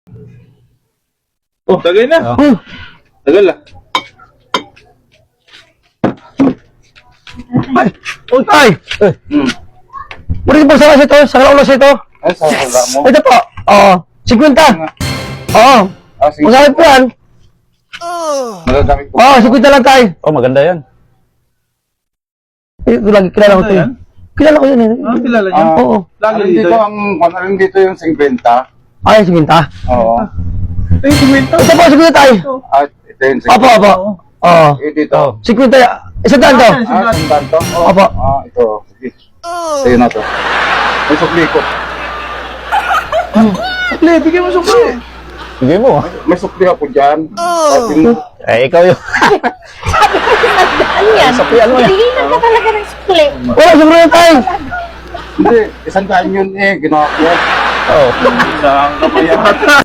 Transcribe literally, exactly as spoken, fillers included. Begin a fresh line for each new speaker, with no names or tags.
Oh, tagay na.
Oh.
Hmm.
Tagal ah.
Ay! Ay! Eh. Muli po sa kasi ito, sa ulo sa ito.
Ay, sa wala mo.
Ito po. Oo. fifty. Oo.
Ah, sige.
Masakit po yan.
Magagamit ko.
Oo, fifty lang tayo.
Oh, maganda yan.
Eh, ito lagi, kilala ko
Ano
ito
yan?
eh. Kilala ko yun eh.
Ah, kilala niyo?
Ah,
Oo.
Lagi
alin
dito.
dito ang, alin dito yung fifty.
Ay, fifty.
Oo.
Ay, kumenta.
Ito po, fifty tayo.
At ito yung
Opo, opo. Oo.
Eh, dito.
fifty. Isa daan to.
Ah, sundan to? Oo.
Opo.
Ah, ito. Sige. Sa'yo na to. May sukli ko.
Sukli, bigyan mo sukli.
Sige mo.
May sukli ako dyan. At yung,
Eh, ikaw yun.
Ano yan? Hihingan ka talaga ng sukli.
Wala, siguro na tayo.
hindi, isang daan yun eh. Ginawa ko.
Oh.
Saan ka ba yan?